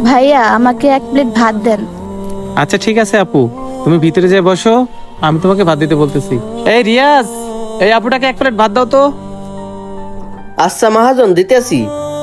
ভাইয়া আমাকে এক প্লেট ভাত দেন। আচ্ছা ঠিক আছে আপু, তুমি ভিতরে যেয়ে বসো, আমি তোমাকে ভাত দিতে বলতেছি। এই রিয়াজ, এই আপুটাকে এক প্লেট ভাত দাও তো। আচ্ছা মহাজন, দিতেছি।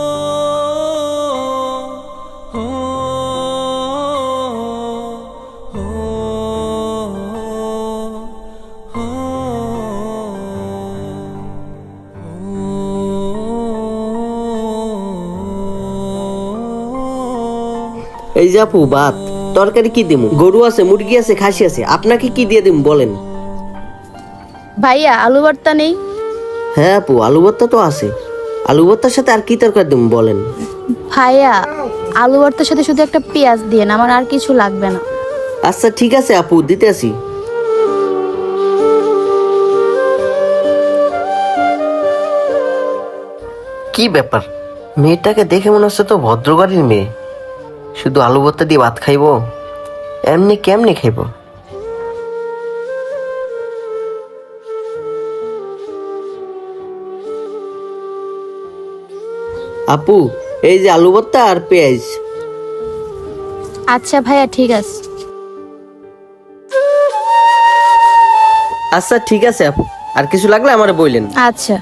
এই যে আপু ভাত। তরকারি কি দিমু? গরু আছে, মুরগি আছে, খাসি আছে, আপনাকে কি দিয়ে দিমু বলেন? ভাইয়া আলু ভর্তা নেই? হ্যাঁ আপু, আলু ভর্তা তো আছে। আলু ভর্তার সাথে আর কি তরকারি দিমু বলেন? ভাইয়া আলু ভর্তার সাথে শুধু একটা পেঁয়াজ দিয়েন, আমার আর কিছু লাগবে না। আচ্ছা ঠিক আছে আপু, দিতেছি। কি ব্যাপার, মেয়েটাকে দেখে মনে হচ্ছে তো ভদ্রঘরের মেয়ে। শুধু আলু ভর্তা দিয়ে ভাত খাইবো? এমনি কেমনি খাইবো? আপু, এই যে আলু ভর্তা আর পেঁয়াজ। আচ্ছা ভাইয়া ঠিক আছে। আচ্ছা ঠিক আছে আপু, আর কিছু লাগলে আমারে বললেন। আচ্ছা।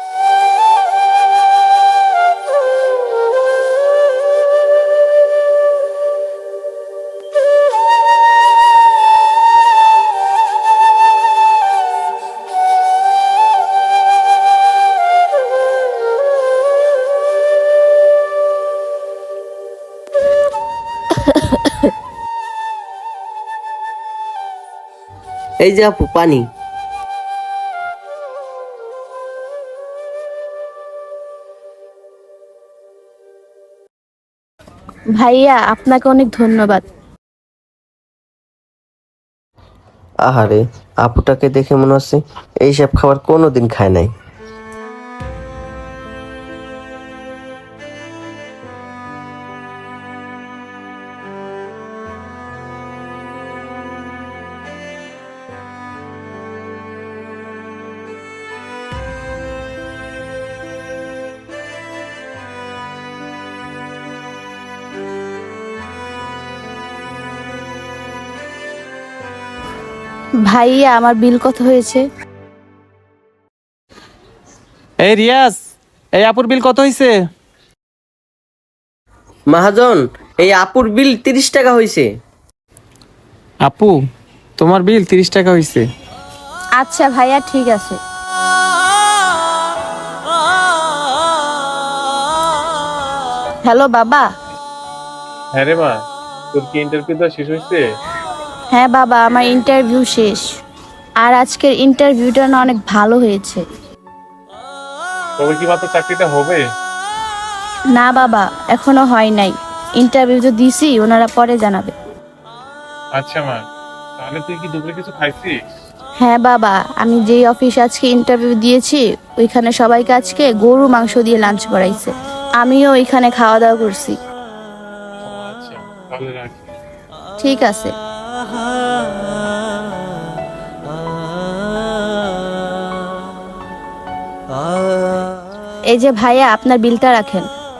এই যে আপু পানি। ভাইয়া আপনাকে অনেক ধন্যবাদ। আহারে, আপুটাকে দেখে মনে হচ্ছে এইসব খাবার কোনোদিন খায় নাই। ভাইয়া আমার বিল কত হয়েছে? এই রিয়াজ, এই আপুর বিল কত হয়েছে? মহাজন, এই আপুর বিল 30 টাকা হয়েছে। আপু, তোমার বিল 30 টাকা হয়েছে। আচ্ছা ভাইয়া ঠিক আছে। হ্যালো বাবা। হ্যাঁ রে মা, তোর কি ইন্টারভিউ দেওয়া শেষ হয়েছে? হ্যাঁ বাবা, আমার ইন্টারভিউ শেষ। আর আজকের ইন্টারভিউটা না অনেক ভালো হয়েছে। তবে কি মাত্র চাকরিটা হবে? না বাবা, এখনো হয় নাই। ইন্টারভিউ তো দিছি, ওনারা পরে জানাবে। আচ্ছা মা, তাহলে তুই কি দুপুরে কিছু খাইছিস? হ্যাঁ বাবা, আমি যেই অফিসে আজকে ইন্টারভিউ দিয়েছি ওইখানে সবাইকে আজকে গরু মাংস দিয়ে লাঞ্চ করাইছে। আমিও ওইখানে খাওয়া দাওয়া করছি। আচ্ছা, তাহলে রাখি। ঠিক আছে। এই যে ভাইয়া, আপনার বিলটা রাখেন।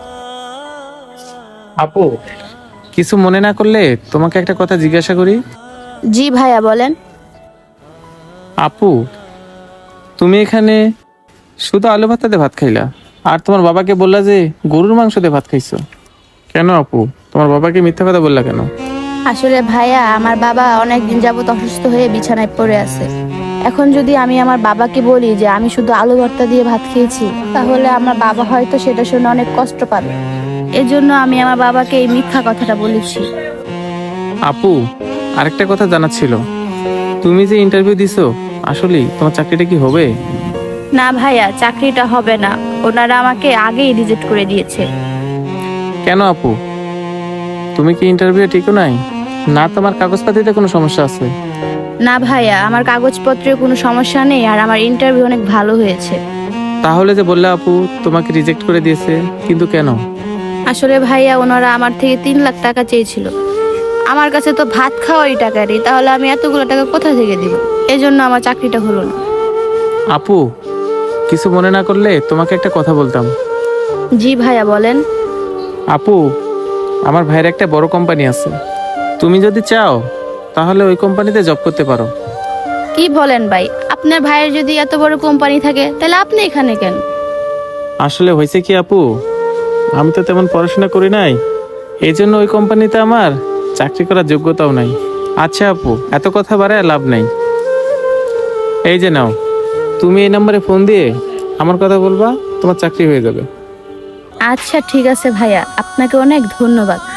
আপু, কিছু মনে না করলে তোমাকে একটা কথা জিজ্ঞাসা করি? জি ভাইয়া বলেন। আপু, তুমি এখানে শুধু আলু ভাত দিয়ে ভাত খাইলা, আর তোমার বাবাকে বললা যে গরুর মাংস দিয়ে ভাত খাইছো। কেন আপু, তোমার বাবাকে মিথ্যা কথা বললা কেন? আসলে ভাইয়া, আমার বাবা অনেকদিন যাবত অসুস্থ হয়ে বিছানায় পড়ে আছে। এখন যদি আমি আমার বাবাকে বলি যে আমি শুধু আলু ভর্তা দিয়ে ভাত খেয়েছি, তাহলে আমার বাবা হয়তো সেটা শুনে অনেক কষ্ট পাবে। এজন্য আমি আমার বাবাকে এই মিথ্যা কথাটা বলেছি। আপু, আরেকটা কথা জানার ছিল, তুমি যে ইন্টারভিউ দিছো, আসলে তোমার চাকরিটা কি হবে? না ভাইয়া, চাকরিটা হবে না। ওনারা আমাকে আগেই রিজেক্ট করে দিয়েছে। কেন আপু, তুমি কি ইন্টারভিউ ঠিকও নাই? না তোমার কাগজপাতিতে কোনো সমস্যা আছে? না ভাইয়া, আমার কাগজপত্রে কোনো সমস্যা নেই, আর আমার ইন্টারভিউ অনেক ভালো হয়েছে। তাহলে যে বললে আপু তোমাকে রিজেক্ট করে দিয়েছে, কিন্তু কেন? আসলে ভাইয়া, ওনারা আমার থেকে 3 লাখ টাকা চেয়েছিল। আমার কাছে তো ভাত খাওয়ারই টাকা নেই, তাহলে আমি এতগুলো টাকা কোথা থেকে দিব? এজন্য আমার চাকরিটা হলো না। আপু, কিছু মনে না করলে তোমাকে একটা কথা বলতাম। জি ভাইয়া বলেন। আপু, আমার ভাইয়ের একটা বড় কোম্পানি আছে, তুমি যদি চাও তাহলে ওই কোম্পানিতে জব করতে পারো। কি বলেন ভাই, আপনার ভাইয়ের যদি এত বড় কোম্পানি থাকে তাহলে আপনি এখানে কেন? আসলে হয়েছে কি আপু, আমি তো তেমন পড়াশোনা করি নাই, এই জন্য ওই কোম্পানিতে আমার চাকরি করার যোগ্যতাও নাই। আচ্ছা আপু, এত কথা বাড়ায় লাভ নাই। এই যে নাও, তুমি এই নম্বরে ফোন দিয়ে আমার কথা বলবা, তোমার চাকরি হয়ে যাবে। আচ্ছা ঠিক আছে ভাইয়া, আপনাকে অনেক ধন্যবাদ।